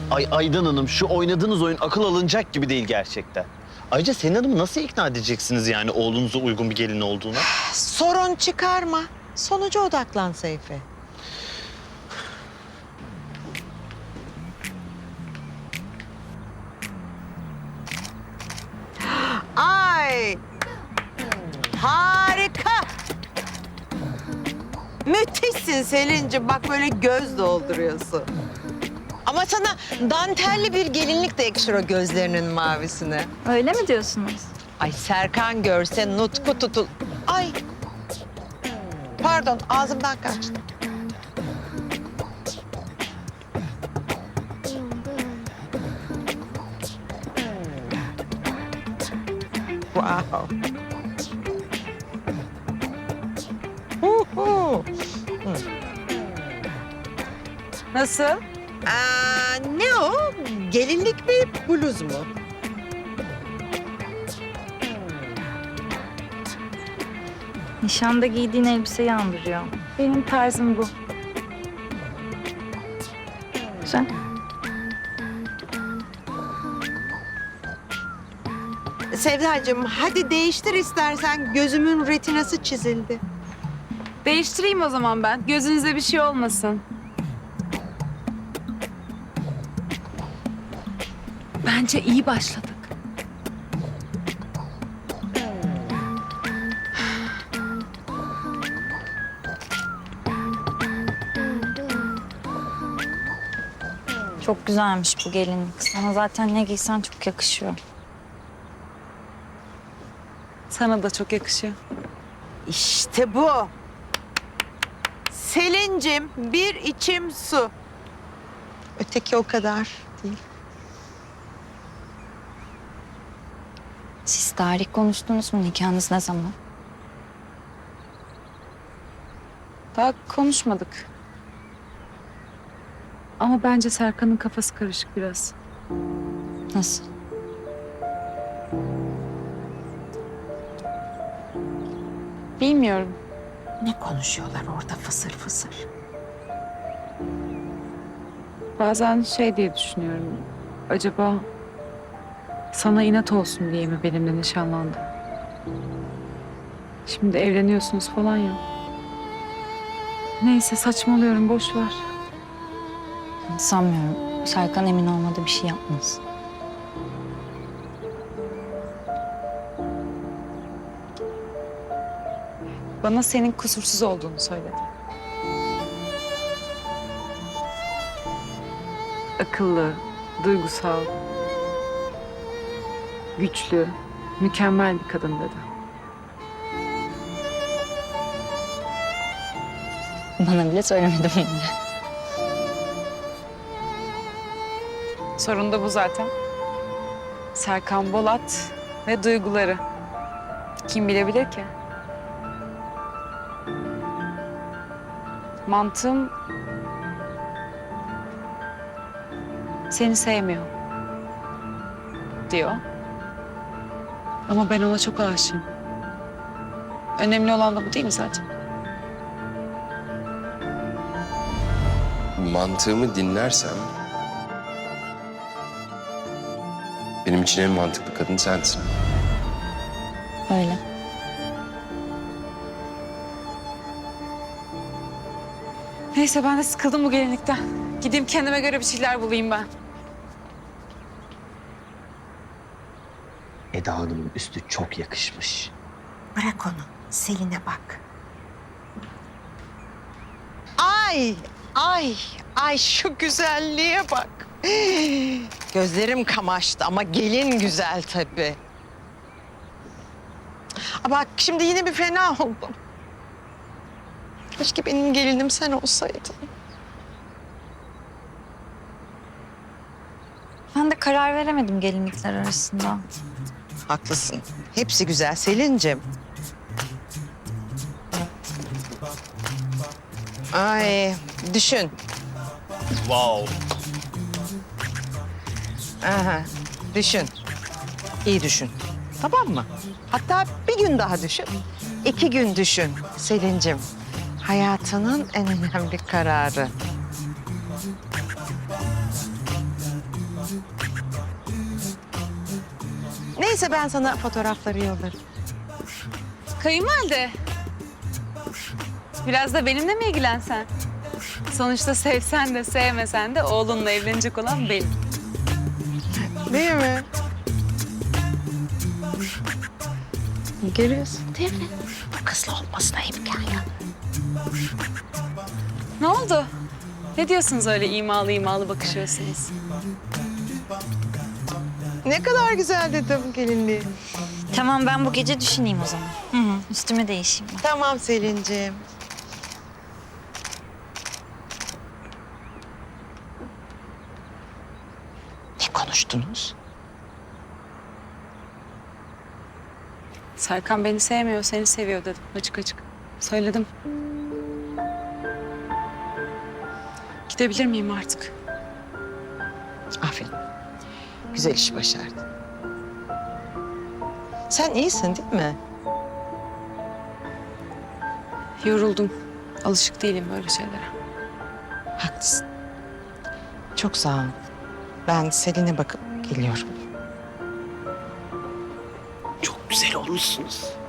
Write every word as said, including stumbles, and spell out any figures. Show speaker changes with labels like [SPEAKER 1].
[SPEAKER 1] Ay Aydan Hanım, şu oynadığınız oyun akıl alınacak gibi değil gerçekten. Ayrıca Selin Hanım'ı nasıl ikna edeceksiniz yani oğlunuza uygun bir gelin olduğuna?
[SPEAKER 2] Sorun çıkarma. Sonuca odaklan Seyfi. Ay! Harika! Müthişsin Selin'ciğim. Bak böyle göz dolduruyorsun. Ama sana dantelli bir gelinlik de yakışır o gözlerinin mavisine.
[SPEAKER 3] Öyle mi diyorsunuz?
[SPEAKER 2] Ay Serkan görse nutku tutul. Ay! Pardon ağzımdan kaçtı. Wow. Huhu.
[SPEAKER 3] Nasıl?
[SPEAKER 2] Aa, ne o? Gelinlik mi, bluz mu?
[SPEAKER 3] Nişanda giydiğin elbiseyi andırıyor. Benim tarzım bu. Güzel.
[SPEAKER 2] Sevdacığım hadi değiştir istersen. Gözümün retinası çizildi.
[SPEAKER 4] Değiştireyim o zaman ben. Gözünüze bir şey olmasın. Bence iyi başladık.
[SPEAKER 3] Çok güzelmiş bu gelinlik. Sana zaten ne giysen çok yakışıyor.
[SPEAKER 4] Sana da çok yakışıyor.
[SPEAKER 2] İşte bu. Selin'cim bir içim su. Öteki o kadar değil.
[SPEAKER 3] Siz tarih konuştunuz mu? Nikahınız ne zaman?
[SPEAKER 4] Daha konuşmadık. Ama bence Serkan'ın kafası karışık biraz.
[SPEAKER 3] Nasıl?
[SPEAKER 4] Bilmiyorum.
[SPEAKER 2] Ne konuşuyorlar orada fısır fısır?
[SPEAKER 4] Bazen şey diye düşünüyorum. Acaba sana inat olsun diye mi benimle nişanlandı? Şimdi evleniyorsunuz falan ya. Neyse saçmalıyorum, boş ver.
[SPEAKER 3] Sanmıyorum. Serkan emin olmadığı bir şey yapmaz.
[SPEAKER 4] Bana senin kusursuz olduğunu söyledi. Akıllı, duygusal, güçlü, mükemmel bir kadın dedi.
[SPEAKER 3] Bana bile söylemedi bunu.
[SPEAKER 4] Sorun da bu zaten. Serkan Bolat ve duyguları. Kim bilebilir ki? Mantığım seni sevmiyor diyor. Ama ben ona çok aşığım. Önemli olan da bu değil mi zaten?
[SPEAKER 5] Mantığımı dinlersem benim için en mantıklı kadın sensin.
[SPEAKER 3] Öyle.
[SPEAKER 4] Neyse ben de sıkıldım bu gelinlikten. Gideyim kendime göre bir şeyler bulayım ben.
[SPEAKER 1] Eda Hanım'ın üstü çok yakışmış.
[SPEAKER 2] Bırak onu. Selin'e bak. Ay, ay, ay şu güzelliğe bak. Gözlerim kamaştı ama gelin güzel tabii. Aa, bak şimdi yine bir fena oldum. Keşke benim gelinim sen olsaydın.
[SPEAKER 3] Ben de karar veremedim gelinlikler arasında.
[SPEAKER 2] Haklısın. Hepsi güzel Selin'cim. Ay düşün.
[SPEAKER 1] Wow.
[SPEAKER 2] Aha, düşün. İyi düşün. Tamam mı? Hatta bir gün daha düşün. İki gün düşün Selin'cim. Hayatının en önemli kararı. Neyse ben sana fotoğrafları yollarım.
[SPEAKER 4] Kayınvalide. Biraz da benimle mi ilgilensen? Sonuçta sevsen de sevmesen de oğlunla evlenecek olan benim.
[SPEAKER 2] Değil mi? Görüyorsun değil mi? Bu kızla olmasına imkan yok.
[SPEAKER 4] Ne oldu? Ne diyorsunuz öyle imalı imalı bakışıyorsunuz?
[SPEAKER 2] Ne kadar güzel dedim gelinliği.
[SPEAKER 3] Tamam ben bu gece düşüneyim o zaman. Hı hı. Üstüme değişeyim ben.
[SPEAKER 2] Tamam Selin'ciğim. Ne konuştunuz?
[SPEAKER 4] Serkan beni sevmiyor, seni seviyor dedim açık açık. Söyledim. Gidebilir miyim artık?
[SPEAKER 2] Aferin. Güzel iş başardın. Sen iyisin değil mi?
[SPEAKER 4] Yoruldum. Alışık değilim böyle şeylere.
[SPEAKER 2] Haklısın. Çok sağ ol. Ben Selin'e bakıp geliyorum. Çok güzel olmuşsunuz.